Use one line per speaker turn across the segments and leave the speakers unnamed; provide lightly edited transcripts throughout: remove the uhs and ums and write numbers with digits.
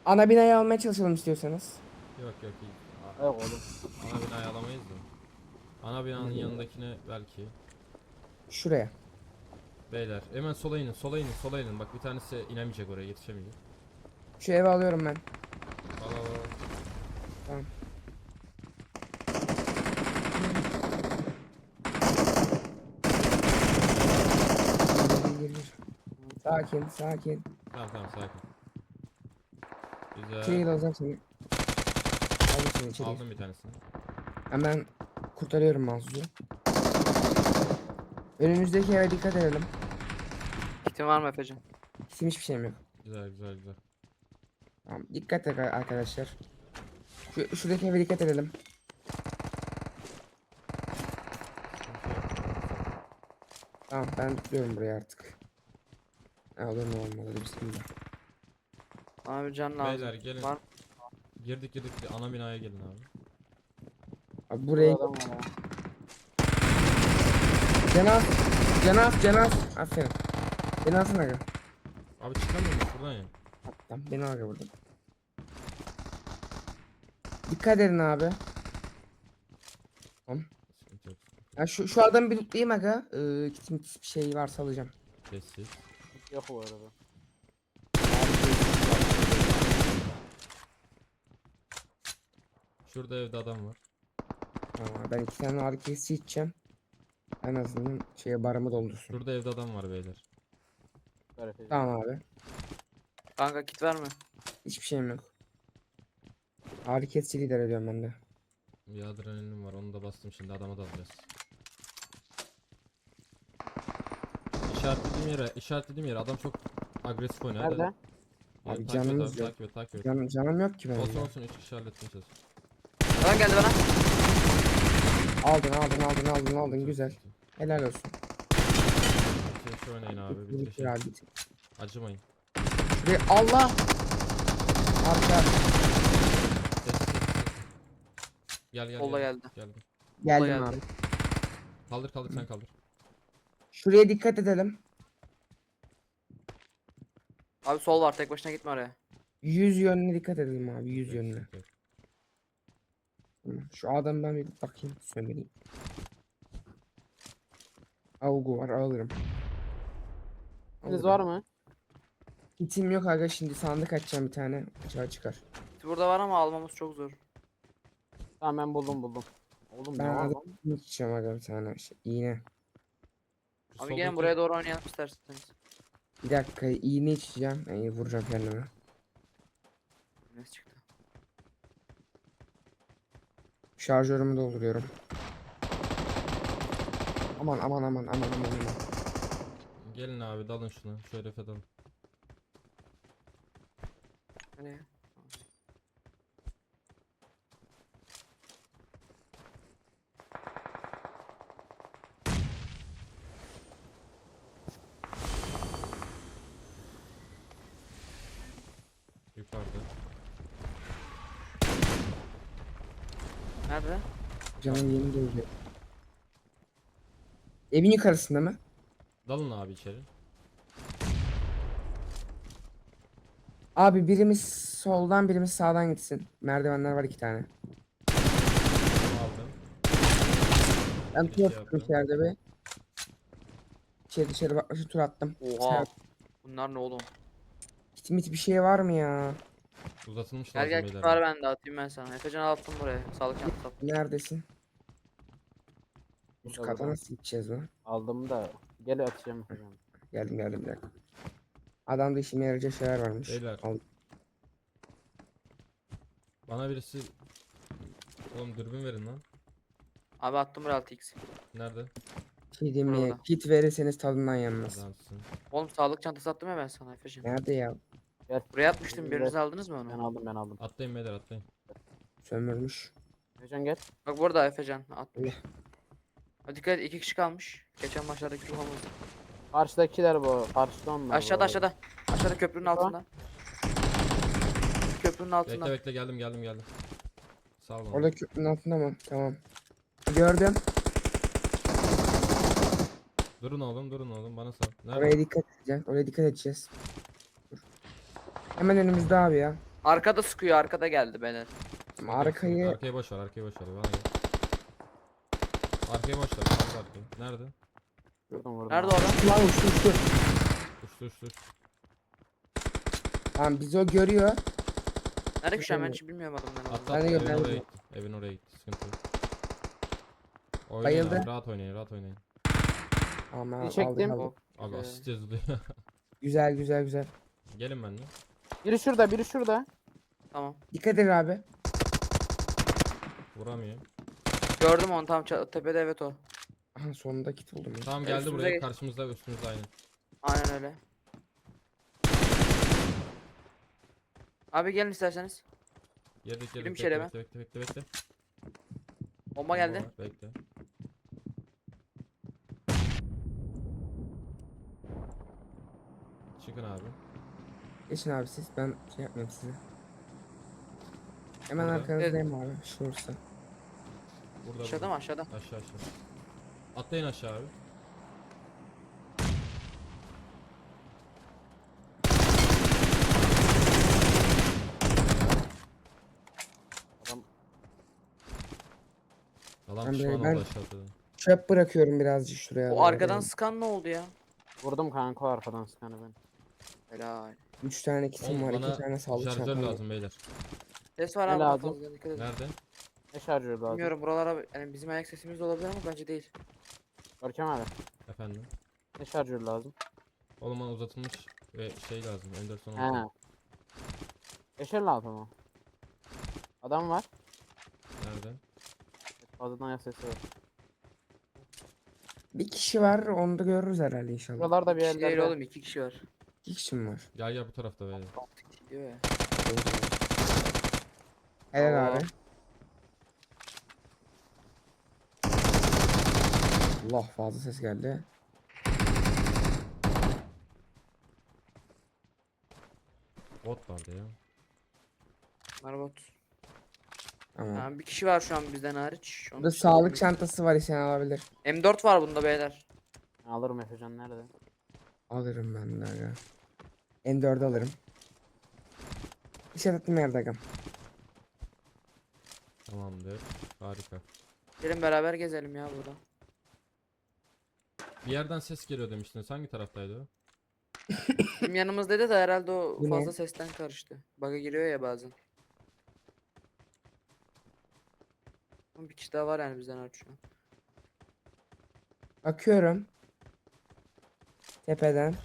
Ana binayı almaya çalışalım istiyorsanız.
Yok yok iyi.
Yok oğlum.
Ana binayı alamayız da. Ana binanın yanındakine belki.
Şuraya.
Beyler hemen sola inin, sola inin, sola inin. Bak bir tanesi inemeyecek, oraya yetişemeyecek.
Şu eve alıyorum ben.
Al al al.
Tamam. Gir. Sakin, sakin.
Tamam tamam sakin.
Şey
Güzel.
alacağım seni. Aldım seni içeri.
Aldım bir tanesini.
Hemen kurtarıyorum Mahsus'u. Önümüzdeki eve dikkat edelim.
Kitin var mı Efecan?
Bizim hiçbir şeyim yok.
Güzel güzel güzel.
Tamam, dikkat et arkadaşlar. Şuradaki eve dikkat edelim. Tamam, ben tutuyorum buraya artık. Ne olur ne olmaz, bismillah.
Bana bir can lazım.
Beyler gelin.
Var.
Girdik ana binaya gelin abi.
Abi
Burada
buraya
adam var ha.
Cenaz, Cenaz. Aferin. Beni alsın aga.
Abi çıkamıyor musun buradan ya?
Tamam, beni aga buradan. Dikkat edin abi. Tamam.
Sıkıntı yok.
Ya şu adamı bir tutayım aga. Kitim bir şey varsa alacağım.
Sessiz.
Yok bu arada.
Şurada evde adam var.
Ben 2 tane ağrı kesici içeceğim. En azından şeye barımı doldursun.
Şurada evde adam var beyler.
Ver Efecan.
Tamam abi.
Kanka kit var mı?
Hiçbir şeyim yok. Ağrı kesici lider ediyorum ben de.
Bir adrenalin var, onu da bastım, şimdi adama da alacağız. İşaretlediğim yere adam çok agresif oynuyor. Hadi.
Nerede?
Ya,
Abi
takip et
canımız
abi,
yok.
takip et takip et.
Canım yok ki benim.
Olsun
ya.
olsun, 3 kişi halletmeye çalış.
Adam geldi bana.
Aldın güzel. Helal olsun.
Şey, şu oynayın abi,
Bitir
bitirin.
abi, bitir.
Acımayın.
Ve Allah! Arka
Sessiz. Gel
Kolla geldi.
Geldim.
geldim
geldi.
abi.
Kaldır sen kaldır.
Şuraya dikkat edelim.
Abi sol var, tek başına gitme oraya.
100 yönüne dikkat edelim abi, 100
Yok,
yönüne.
yok, yok.
Tamam, şu adam ben bir bakayım, sömüreyim. Avgu var, alırım.
Siz var mı?
Kitim yok aga, şimdi sandık açacağım bir tane. Açığa çıkar.
Kit burada var ama almamız çok zor.
Tamam ben buldum. Oğlum
Ben
ne var
adam
lan?
içeceğim aga, bir tane iğne.
Şu
Abi gelin
soldaki-
buraya doğru oynayalım isterseniz.
Bir dakika, iğne içeceğim. Yani vuracağım kendime.
Ne çıktı?
Şarjörümü dolduruyorum. Aman.
Gelin abi, dalın şuna. Şöyle dalın.
Nereye?
Yukarıda.
Nerede?
Canım yeni geliyor. Evin yukarısında mı?
Dalın abi içeri.
Abi birimiz soldan birimiz sağdan gitsin. Merdivenler var 2 tane.
Bunu aldım.
Ben
Bir
tur
şey
attım
yaptım.
içeride bir. Dışarı bakmışım, tur attım.
Oha. Bunlar ne oğlum?
Kitimit bir şey var mı ya?
Uzatılmış
Gel
lazım
gel kit
beyler.
var bende, atayım ben sana. Efecan attım buraya. Sağlık çantası attım.
Neredesin? Üst
Burada,
kata
burada.
nasıl gideceğiz lan?
Aldım da gel atacağım Efecan.
Geldim bir dakika. Adamda işime yarayacak şeyler varmış.
Beyler.
Al.
Bana birisi... Oğlum dürbün verin lan.
Abi attım buraya 6x.
Nerede?
Şey diyeyim mi?
Burada.
Kit verirseniz tadından yenmez.
Adamsın.
Oğlum sağlık çantası attım ya ben sana Efecan.
Nerede ya?
Buraya atmıştım, biriniz aldınız mı
Ben
onu?
aldım.
Atlayın beyler, atlayın.
Sömürmüş.
Efecan gel.
Bak burada Efecan atmış.
Allah.
Hadi dikkat et, 2 kişi kalmış. Geçen maçlardaki ruhamız.
Karşıdakiler bu. Karşıda onlar.
Aşağıda
bu.
aşağıda. Aşağıda köprünün
Tamam.
altında. Köprünün altında.
Bekle geldim. Sağ olun.
Orada köprünün altında mı? Tamam. Gördüm.
Durun oğlum bana sal. Nerede?
Oraya dikkat edeceğiz. Dur. Hemen önümüzde abi ya.
Arkada sıkıyor, arkada geldi beyler.
Arkayı
Arkaya boş ver, arkaya boş ver. Bana gel. Arkaya boş ver. Kaldı arkaya. Nerede?
Vurdum.
Nerede o
abi.
adam?
lan uçtu uçtu.
Uçtu uçtu.
Tamam bizi o görüyor.
Nerede ki şu an ben hiç bilmiyorum adamları.
Atla
Ben de
atla, evin
gördüm.
oraya gitti. Evin oraya gitti. Sıkıntı yok. Oynayın
Bayıldı.
abi, rahat oynayın, rahat oynayın.
Ama
Bir
aldık
çektim.
aldık.
Abi
Güzel.
asist yazılıyor.
Güzel güzel güzel.
Gelin benimle.
Biri şurada, biri şurada.
Tamam.
Dikkat edin abi.
Vuramıyor.
Gördüm onu tam tepede, evet o.
Aha sonunda kit buldum. Ya.
Tamam geldi
Üstümüze
buraya.
geç.
Karşımızda üstümüzde aynı.
Aynen öyle. Abi gelin isterseniz.
Girdik
Girin
girdik.
içeri
Bekle bekle bekle bekle.
Bomba geldi.
var, bekle. Çıkın abi.
Geçin abi siz. Ben şey yapmayayım size. Hemen
Burada.
arkanızdayım abi. Şurası.
Burada
Aşağıda
burada.
mı, aşağıda?
Aşağı aşağı. Atlayın aşağı abi.
Adam
Adam
Ben
pişman
ben-
oldu aşağıda.
Çöp bırakıyorum birazcık şuraya.
O arkadan sıkan ne oldu ya?
vurdum kanka o arkadan sıkanı ben.
Helal.
3 tane kitim
Oğlum
var.
bana
2 tane sağlık
şarjör
çantam var.
lazım beyler.
Ses var
Ne
abi. daha
lazım?
fazla, dikkat edin.
Nerede?
Ne şarjör lazım?
Bilmiyorum, buralara yani bizim ayak sesimiz de olabilir ama bence değil.
Görkem abi.
Efendim.
Ne şarjör lazım?
Oğlum bana uzatılmış ve şey lazım. Anderson
He.
oldu.
556 mı? Adam var.
Nerede?
Fazladan ayak sesi var.
Bir kişi var. Onu da görürüz herhalde inşallah.
Buralarda bir
Bir kişi değil
yerlerde.
oğlum, 2 kişi var.
2 kişi mi var?
Gel gel bu tarafta beyler.
6 kişi diyor ya.
Helal
Allah.
abi. Allah fazla ses geldi.
Bot vardı ya.
Marbot.
Tamam.
Yani bir kişi var şu an bizden hariç. Onun
Burada
dışında
sağlık
bilmiyorum.
çantası var isen alabilir.
M4 var bunda beyler.
Alırım Efecan nerede?
Alırım ben de aga. M4 alırım. İşaretli yerde agam.
Tamamdır. Harika.
Gelin beraber gezelim ya burada.
Bir yerden ses geliyor demiştiniz. Hangi taraftaydı o?
Bizim yanımızdaydı da herhalde o
Bu ne?
fazla sesten karıştı. Bug'a giriyor ya bazen. Ama bir kişi daha var yani bizden hariç şu an.
Bakıyorum. Tepeden.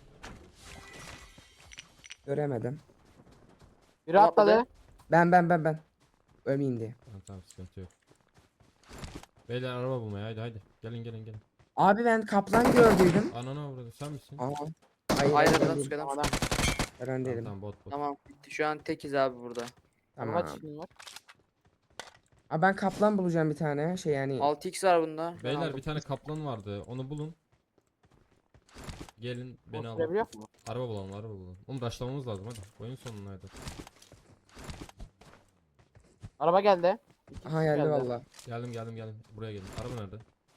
Göremedim.
Biri
Adam
atladı.
atladı.
Ben. Ölmeyeyim diye.
Tamam sıkıntı yok. Beyler araba bulmaya haydi. Gelin gelin gelin.
Abi ben kaplan gördüydüm.
Anana burada sen misin?
Aa. Hayır,
Hayır
ben
adam
değilim.
sıkıyor, adam
Adam.
sıkıyor.
Ben
Tamam,
değilim.
tamam bot bot.
Tamam bitti. Şu an tekiz abi burada.
Tamam.
Kaç kişinin var?
Aa, ben kaplan bulacağım bir tane. Şey yani.
6x var bunda. Ben
Beyler
aldım.
bir tane kaplan vardı. Onu bulun. Gelin beni alın.
Oturabiliyor mu?
Araba bulalım araba bulalım. Oğlum rushlamamız lazım hadi. Oyun sonundaydı.
Araba geldi. İki
Aha
kişi
geldi valla.
Geldim. Buraya gelin. Araba nerede?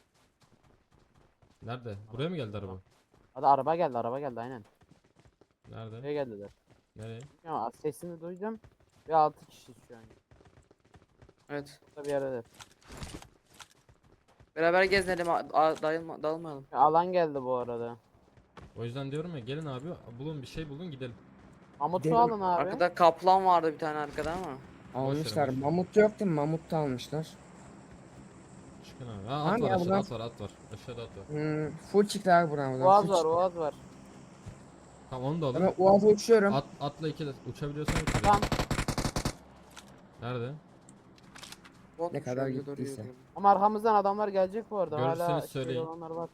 Nerede? Buraya mı geldi araba?
Hadi araba geldi aynen.
Nerede?
Buraya geldiler.
Nereye?
Ya sesini duydum. Ve 6 kişi şu an.
Evet.
Burada bir yerdeler.
Beraber gezelim. Dağılmayalım.
Ya alan geldi bu arada.
O yüzden diyorum ya gelin abi bulun bir şey bulun gidelim.
Mamut'u
Gidelim.
alın abi.
Arkada kaplan vardı bir tane arkada ama.
Almışlar.
boş ver.
Mamut yok değil mi? Mamut da almışlar.
Çıkın abi. Ha,
Tamam
at var
ya,
aşağıda
buradan-
at var. Aşağıda at var.
Full çıktı abi buradan.
Boğaz
Full
var,
çıktı.
Boğaz var.
Tamam onu da alın.
Ben Uaz'a uçuyorum.
Atla iki de uçabiliyorsan uç.
Tamam.
Nerede?
Bot
Ne
şu
kadar
anda doğru
gittiyse.
yürüyorum.
Ama arkamızdan adamlar gelecek bu arada.
Görürseniz
Hala
söyleyin.
olanlar var.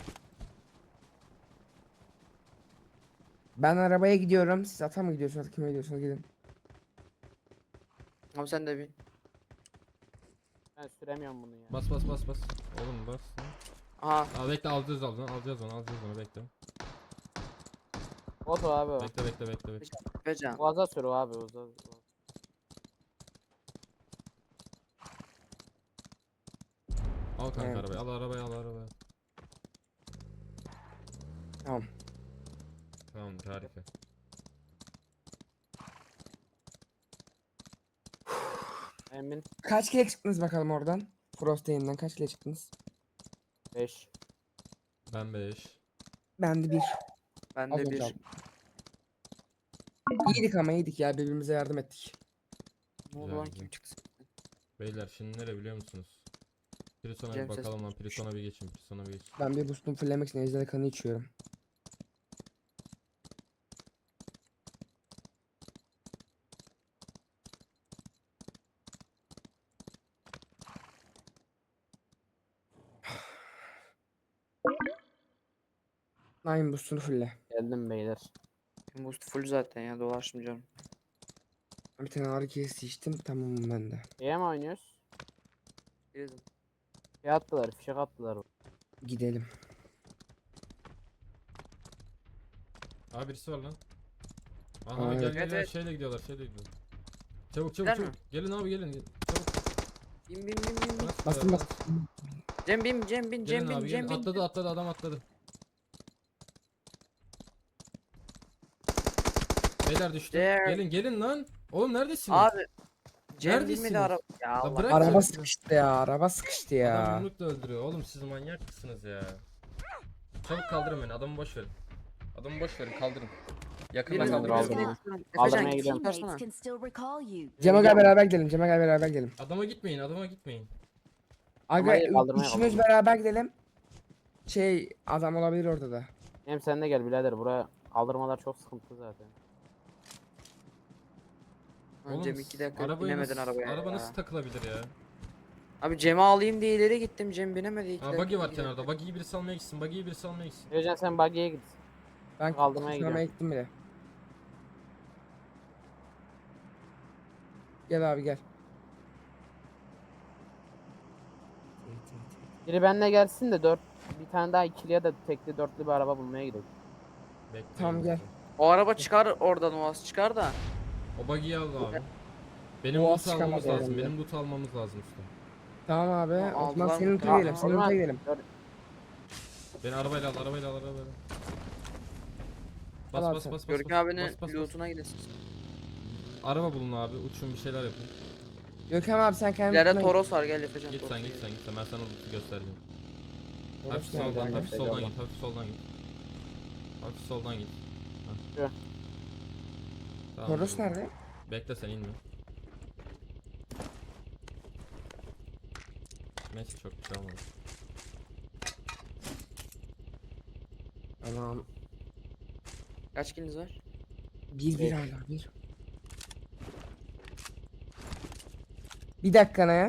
Ben arabaya gidiyorum. Siz ata mı gidiyorsunuz? Kime gidiyorsunuz? Gidin.
Abi sen de bin.
Ben süremiyorum bunu ya.
Bas. Oğlum bas.
Aha.
Aa bekle alacağız onu bekle.
Bot o abi o.
Bekle.
Becan.
Boğaz'a sür o abi. Boğaz'a.
Al kanka
Evet.
arabayı. Al arabayı.
Tamam.
Tamam harika.
Emin
Kaç kere çıktınız bakalım oradan? Frost yayından kaç kere çıktınız?
5.
Ben 5.
Ben de bir.
Ben
Az
de
önce
bir.
aldım. İyiydik ama iyiydik ya, birbirimize yardım ettik.
Ne oldu
Güzel,
lan
güzel.
kim çıktı?
Beyler şimdi nere biliyor musunuz? Prison'a bir
Cem ses
bakalım lan.
çıkmış.
Prison'a bir geçin. Prison'a bir geçin.
Ben bir boost'umu fullemek için ejderha kanı içiyorum. Nine boost'unu fulle.
Geldim beyler.
Boost full zaten ya dolaşmayacağım.
Bir tane ağrı kesici içtim, tamamım ben de.
Şeye mi oynuyoruz?
Bilirdim.
Şey attılar, fişek attılar.
Gidelim.
Aa birisi var lan. Aha
Aa,
gel
evet.
gel
Evet,
gel
evet.
şeyle gidiyorlar şeyle gidiyorlar. Çabuk çabuk
Gider
çabuk.
mi?
Gelin abi gelin. Çabuk.
Bin bin bin bin bin.
Nasıl
Bastım
ya?
bastım.
Cem bin Cem bin
Gelin
Cem bin
abi
Cem
gelin.
bin.
Atladı atladı adam atladı. Beyler düştü.
There.
Gelin gelin lan. Oğlum neredesiniz?
Abi. Cem
Neredesiniz?
binmedi araba. Ya
La
Allah.
bırak
Araba
ya.
sıkıştı ya, araba sıkıştı
Adam
ya.
yumrukla öldürüyor. Oğlum siz manyak mısınız ya? Çabuk kaldırın beni. Adamı boş verin. Adamı boş verin kaldırın. Yakından
Birinin
kaldırın.
kaldırın.
Kaldırın.
Efecan
Kaldırmaya
git
gidiyorum.
tutarsana.
Teammates can still recall you.
Cem'e gel beraber gidelim, Cem'e gel beraber gidelim.
Adama gitmeyin adama gitmeyin.
Aga
Kaldırmaya
üçümüz beraber gidelim. Şey, adam olabilir orada da.
Hem sen de gel birader, buraya kaldırmalar çok sıkıntı zaten.
Lan Cem 2 dakika
arabayı
binemedin
nasıl,
arabaya
araba
ya.
nasıl takılabilir ya?
Abi Cem'i alayım diye ileri gittim. Cem binemedi 2
Aa
dakika.
buggy var
2
kenarda.
dakika.
Buggy'yi birisi almaya gitsin. Buggy'yi birisi almaya gitsin.
Özcan sen buggy'ye git.
Ben
Kaldırmaya
kurtarmaya gittim bile. Gel abi gel.
Biri benimle gelsin de bir tane daha ikili ya da tekli dörtlü bir araba bulmaya gidelim.
Bekleyin.
Tamam, gel.
O araba çıkar oradan Oğaz çıkar da.
O buggy'yi al abi. Benim
O
loot
az çıkamaz
almamız lazım.
herhalde.
Benim loot almamız lazım usta.
Tamam abi.
Aa,
O zaman
aldılar
senin
mı?
loot'a
Ya,
gidelim. Senin
aldılar.
loot'a gidelim.
Beni arabayla al arabayla al arabayla.
Al
Bas
abi
bas
sen.
bas bas.
Görkem
bas,
abinin
bas, bas, bas.
lootuna gidesin.
Araba bulun abi. Uçun bir şeyler yapın.
Gökhan abi sen kendi
İleride
loot'una git.
Toros var gel Efecan.
Git
Toros'a
sen git sen
gidelim.
git sen. Ben sana loot'u göstereceğim.
Toros
Hafif
nerede
soldan
abi?
hafif soldan git. Hafif soldan git. Hafif soldan git. Hah.
Şu.
Tamam,
Toros
dur.
nerede?
Bekle sen inme. Neyse çok bir şey olmadı.
Tamam.
Kaç kiliniz var?
Bir
Beş.
hala bir. Bir dakika ne ya?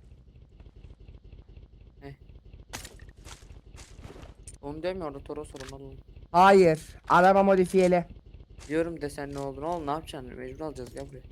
Onu diyorum ya orada Toros var ondan dolayı.
Hayır. Araba modifiyeli.
Diyorum desen ne oldu oğlum ne yapacaksın mecbur alacağız gel buraya.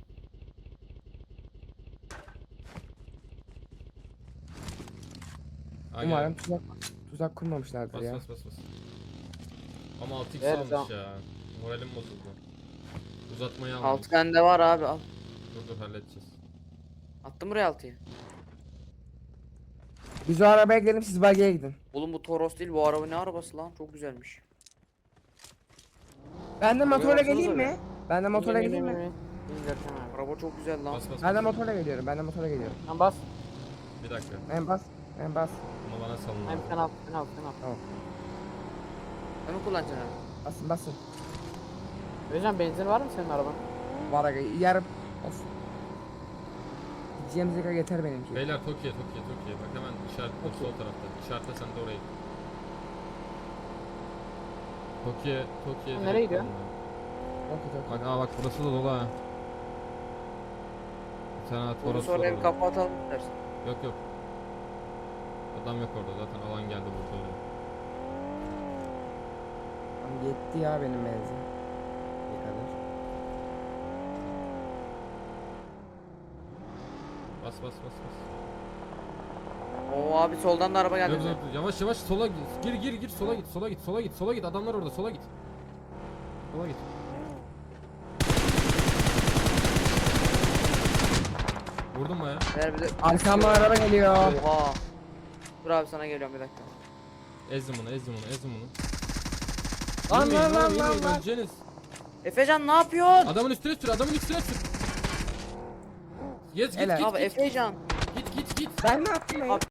Aa,
Umarım
gel.
tuzak kurmamışlardır
Bas
ya.
bas bas bas. Ama 6x
Evet,
almış
tamam.
ya. Moralim bozuldu. Uzatmayı almamış.
6 bende var abi al.
Dur halledeceğiz.
Attım buraya 6'yı.
Biz o arabaya gidelim, siz buggy'e gidin.
Oğlum bu Toros değil bu araba ne arabası lan çok güzelmiş.
Ben de motorla
baksanıza
geleyim
be.
mi? Ben de motorla geleyim mi?
Bin Görkem abi.
Araba çok güzel lan.
Bas bas
Ben de
bas.
motorla geliyorum. Ben de motorla geliyorum.
Lan bas.
Bir dakika.
En bas. En bas.
Bunu bana salın
Hem
abi.
sen al, sen al, sen al.
Ben mi kullanacaksın abi?
Basın basın.
Özcan benzin var mı senin araban?
Var aga yarım. Of. Gideceğimiz yere yeter benimki.
Beyler Tokyo. Bak hemen işaretli sol tarafta. İşaretle sen de oraya git. Tokyo.
Nereye gidiyor?
Okey, okey.
Bak bak burası da dolu ha. Bir tane
Onu
Toros var
sonra bir
orada.
kafa atalım dersin.
Yok. Adam yok orada zaten alan geldi burada oraya.
Tamam, yetti ya benim benzin. Ne kadar?
Bas.
Oo abi soldan da araba geldi.
Dur,
bize.
dur, yavaş sola git. Gir sola git. Adamlar orada sola git. Sola git. Vurdum baya.
Ver bir de.
Arkamdan araba geliyor.
Oha. Dur abi sana geliyorum bir dakika.
Ezdim bunu.
Lan,
Yürümeyin,
lan,
yürümeyin,
lan, lan.
öleceğiniz.
Efecan ne yapıyorsun?
Adamın üstüne sür. Yaz git
Helal.
git
Abi
git
Efecan.
git git git.
Ben ne yaptım ya?
Abi